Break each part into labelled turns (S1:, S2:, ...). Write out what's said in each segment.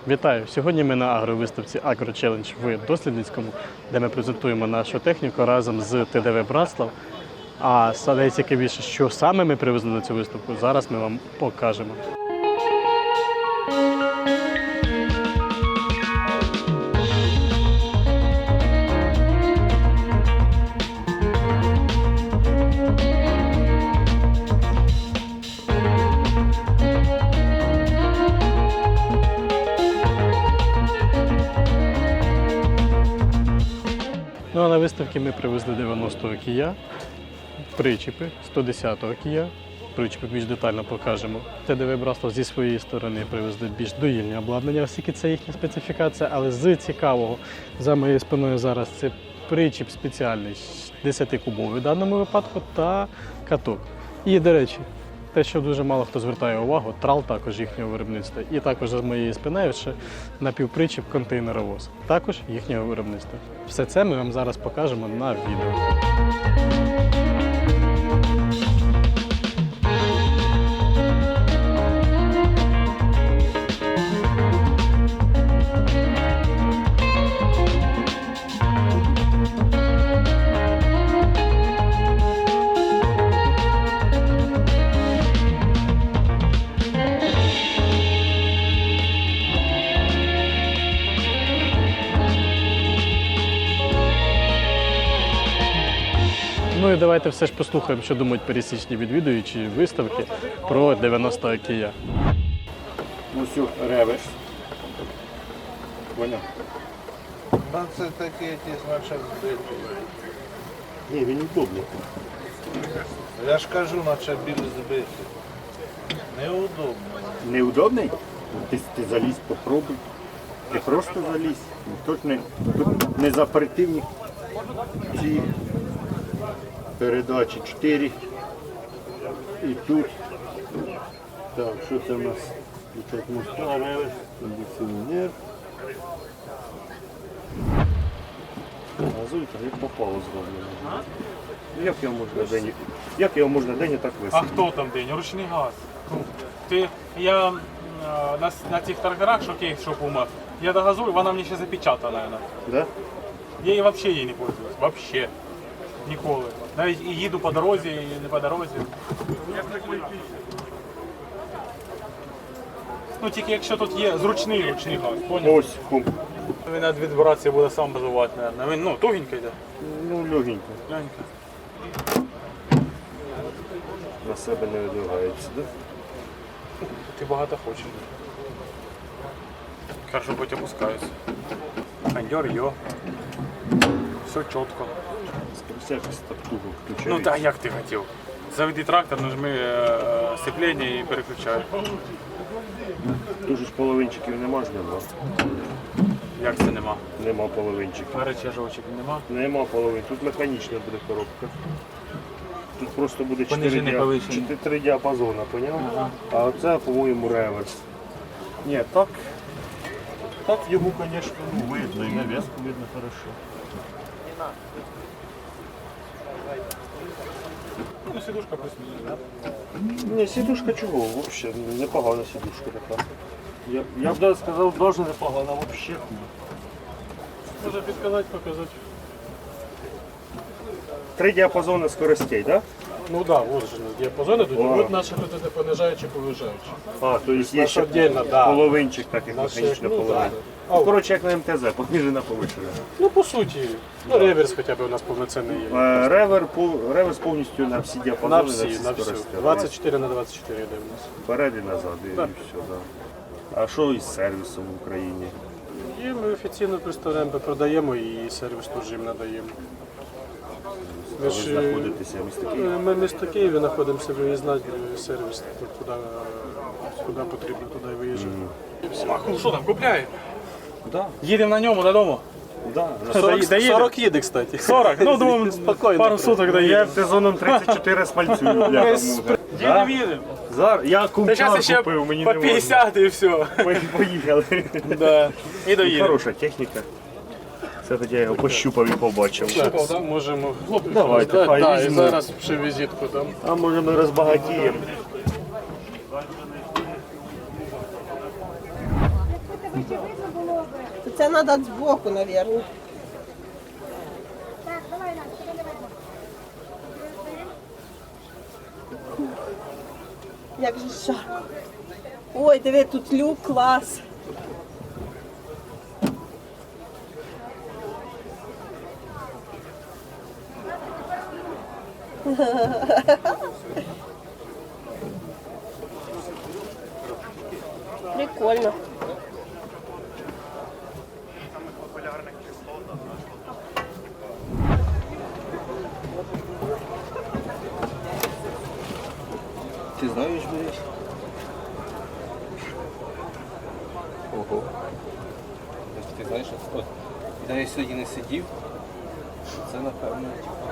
S1: Вітаю! Сьогодні ми на агровиставці AgroChallenge в Дослідницькому, де ми презентуємо нашу техніку разом з ТДВ Братслав. А найцікавіше, що саме ми привезли на цю виставку, зараз ми вам покажемо. Ну а на виставці ми привезли 90-го Kia, причіпи 110-го Kia. Причіпи більш детально покажемо. ТДВ Братслав зі своєї сторони привезли більш доїльне обладнання, оскільки це їхня специфікація, але з цікавого за моєю спиною зараз це причіп спеціальний, 10-кубовий в даному випадку, та каток. І, до речі, те, що дуже мало хто звертає увагу, трал також їхнього виробництва. І також за моєю спиною ще напівпричіп контейнеровоз, також їхнього виробництва. Все це ми вам зараз покажемо на відео. Ну і давайте все ж послухаємо, що думають пересічні відвідувачі виставки про 90-го Kia.
S2: Ось реверс. Поняв?
S3: Ну, це такі, ті, значить, збиті.
S2: Ні, він удобний.
S3: Я ж кажу, наче білі збиті. Неудобно.
S2: Неудобний? Ти залізь, попробуй. Ти просто залізь. Тут не запретивні ці передачі 4. І тут. Так, що це в нас? Тут моста, реверс, кондиціонер. Газуйка, як попало зроблено. Як його можна день так
S4: А
S2: висити?
S4: хто там день? Ручний газ. Я на цих тракторах, що кейс, що Puma, я догазую, вона мені ще запечатана.
S2: Да?
S4: Я її взагалі не пользуюсь. Вообще. Ніколи. Навіть і їду по дорозі, і не по дорозі. Ну тільки якщо тут є ручний газ, поняв?
S2: Ось, кум.
S4: Він від вібрації буде сам базувати, мабуть. Він, тугенький йде.
S2: Ну, легенько.
S4: Глянька.
S2: На себе не видвигається, да?
S4: Ти багато хочеш. Хорошо, хоть опускаюсь. Кондер, йо. Все чітко.
S2: Скоросякость так туго включається.
S4: Ну так, як ти хотів. Заведи трактор, нажми сцеплення і переключай.
S2: Дуже ж половинчиків нема ж нема.
S4: Як це нема?
S2: Нема половинчиків.
S4: Перечажувачок нема.
S2: Нема половин. Тут механічна буде коробка. Тут просто буде
S4: Понижений,
S2: 4
S4: повищений.
S2: діапазони, поняв?
S4: Ага.
S2: А це, по-моєму, реверс. Ні, так його, звісно, видно, і нав'язку видно хорошо.
S4: Ну, сидушка плюс-мінус, да?
S2: Ні, сідушка чого, взагалі, непогана сідушка така. Я б навіть сказав, дуже непогана, взагалі.
S1: Може підказати, показати.
S2: 3 діапазони скоростей, так?
S1: Ну так, да, от же діапазони тут,
S2: Вау.
S1: от наші тут це понижаючі, повижаючі.
S2: А, то есть є ще
S1: отдельно, да.
S2: половинчик, так як
S1: Наші,
S2: механічна
S1: ну,
S2: половина.
S1: да.
S2: Коротше, як на МТЗ, понижена повишена.
S1: Ну, по суті, ну, реверс хоча б у нас повноцінний є.
S2: Реверс повністю на всі
S1: На
S2: діапазони,
S1: всі, на всю.
S2: скорості.
S1: 24 на 24 йде у нас.
S2: Вперед і назад, і
S1: Так.
S2: все, да. А що із сервісом в Україні?
S1: І ми офіційно представляємо, продаємо і сервіс теж їм надаємо.
S2: Ви знаходитеся в місті Києві?
S1: Ми в місто Києві знаходимося, виїзний сервіс, куди потрібно, туди і виїжджаємо.
S4: А що там, купляє?
S1: Да.
S4: Їдемо на ньому додому.
S2: Да.
S1: 40 їде, кстати.
S4: 40? Ну, думаю,
S1: Спокійно.
S4: пару суток
S2: Я
S4: доїдемо.
S2: сезоном 34 смальцюю, бляха муха.
S4: Їдемо.
S2: Зараз я
S4: Та
S2: кумчар
S4: зараз ще
S2: купив, мені
S4: по
S2: не можна.
S4: 50 і все.
S2: Поїхали.
S4: Да. І доїдемо.
S2: Хороша техніка. Це тоді я його пощупав і побачив.
S1: Так, можемо.
S2: Давайте, хай
S1: Да, і
S2: візьму.
S1: зараз ще візитку дам.
S2: А може ми розбагатіємо.
S5: Це треба збоку, мабуть. Як же жарко. Ой, диви, тут люк, клас. Прикольно.
S2: Ти знаєш, береш? Ого. Ти знаєш, от, де я сьогодні не сидів, це напевно, типа.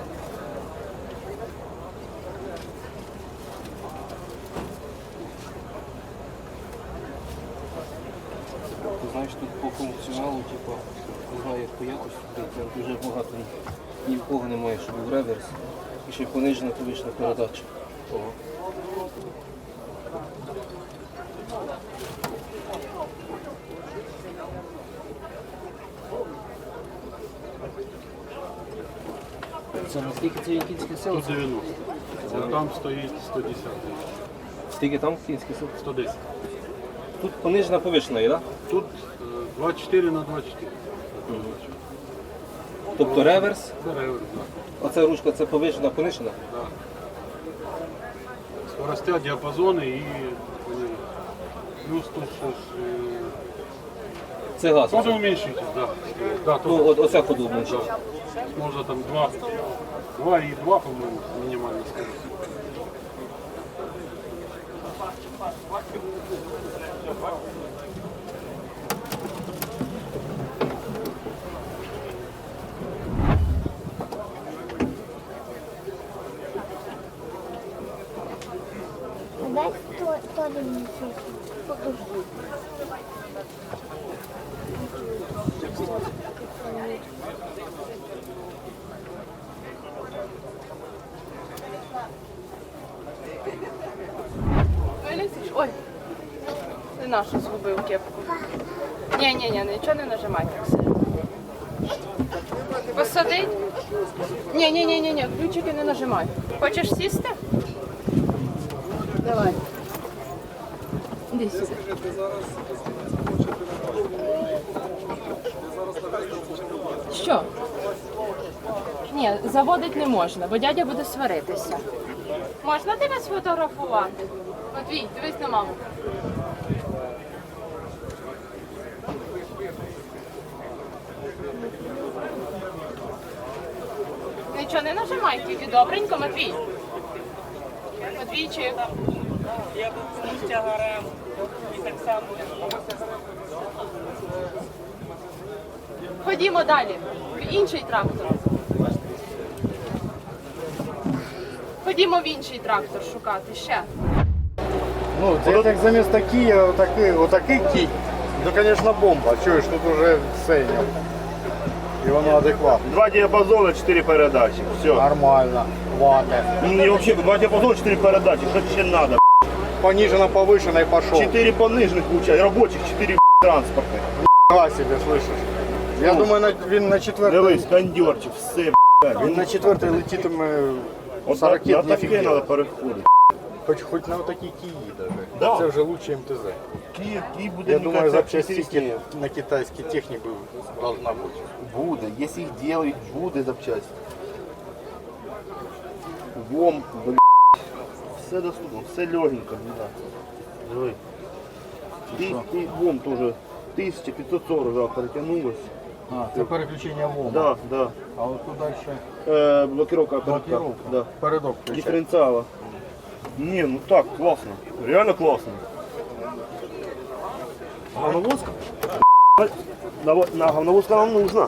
S2: Ти знаєш, тут по функціоналу, типа, не знаю, як по якості, там дуже багато ні в кого немає, щоб був реверс. І ще й понижена повишена передача. Ого. Це наскільки це кінське село?
S6: 190. А там стоїть 110.
S2: Скільки там кінське село?
S6: 110.
S2: Тут понижена повишена є, так?
S6: Тут 24 на 24.
S2: Тобто реверс,
S6: Це реверс, да.
S2: оця ручка це повишена, понижена?
S6: Скоростя, діапазони і плюс тут щось.
S2: Це газ.
S6: Тоже уменьшитель, да. Да,
S2: Ну,
S6: тоже.
S2: оця ходу менше.
S6: Можна там 2,2, по-моєму, мінімальна скорость.
S7: Дай тоже мне покажи.
S8: Вилізеш? Ой, ти нашу згубив кепку. Ні, нічого не нажимай так сильно. Посадить? Ні, ключики не нажимай. Хочеш сісти? Давай. Іди сюди. Що? Ні, заводити не можна, бо дядя буде сваритися. Можна тебе сфотографувати? Матвій, дивись на маму. Нічого не нажимай, тільки добренько, Матвій. Матвійчик. Я був з тягарем і так само. Ходімо далі, в інший трактор. Ходімо в інший трактор шукати ще.
S9: Ну, це як замість Кія, отакий кій, ну, звісно, бомба. Чуєш, тут уже все. І воно адекватно.
S10: Два диапазона, 4 передачи. Все.
S9: Нормально, хватит.
S10: Мне вообще два диапазона, 4 передачи. Что тебе надо?
S9: Понижено, повышено и пошел.
S10: 4 пониженных получается, рабочих, 4 транспортных.
S9: Нифига себе, слышиш? Я думаю, він на четвертий.
S10: Дивись, кондерчик, все,
S9: Він на четвертий летітиме
S10: От
S9: 40
S10: на
S9: не
S10: таке
S9: офігенно.
S10: треба переходити.
S9: Хоч на отакі Киї даже.
S10: Да.
S9: Це вже лучше МТЗ.
S10: Київ буде,
S9: Я
S10: мені
S9: думаю,
S10: кажется,
S9: запчасті
S10: інтересніше.
S9: на китайській техніці должна бути.
S10: Буде, якщо їх делають, буде запчасті. ВОМ, блядь. Все доступно, все легенько, блядь. Диви. Ти ВОМ теж 1540 да, перетягнулось.
S9: А, це переключення ВОМа.
S10: Да, да.
S9: А от тут далі
S10: Блокировка передка.
S9: блокировка.
S10: Да.
S9: Передок включає.
S10: Дифференциала. Не, ну так, классно. Реально классно. Говновозка? На говновозка нам нужна.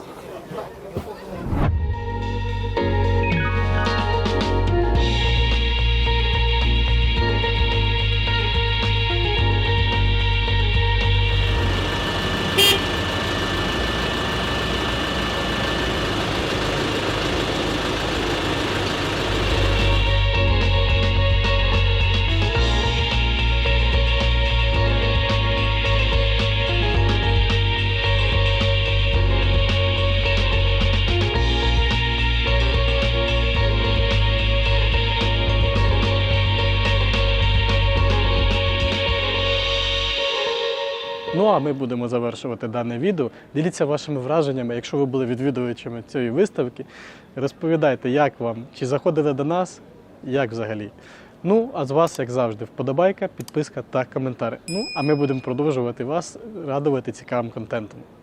S1: Ну а ми будемо завершувати дане відео. Діліться вашими враженнями, якщо ви були відвідувачами цієї виставки. Розповідайте, як вам, чи заходили до нас, як взагалі. Ну, а з вас, як завжди, вподобайка, підписка та коментар. Ну, а ми будемо продовжувати вас радувати цікавим контентом.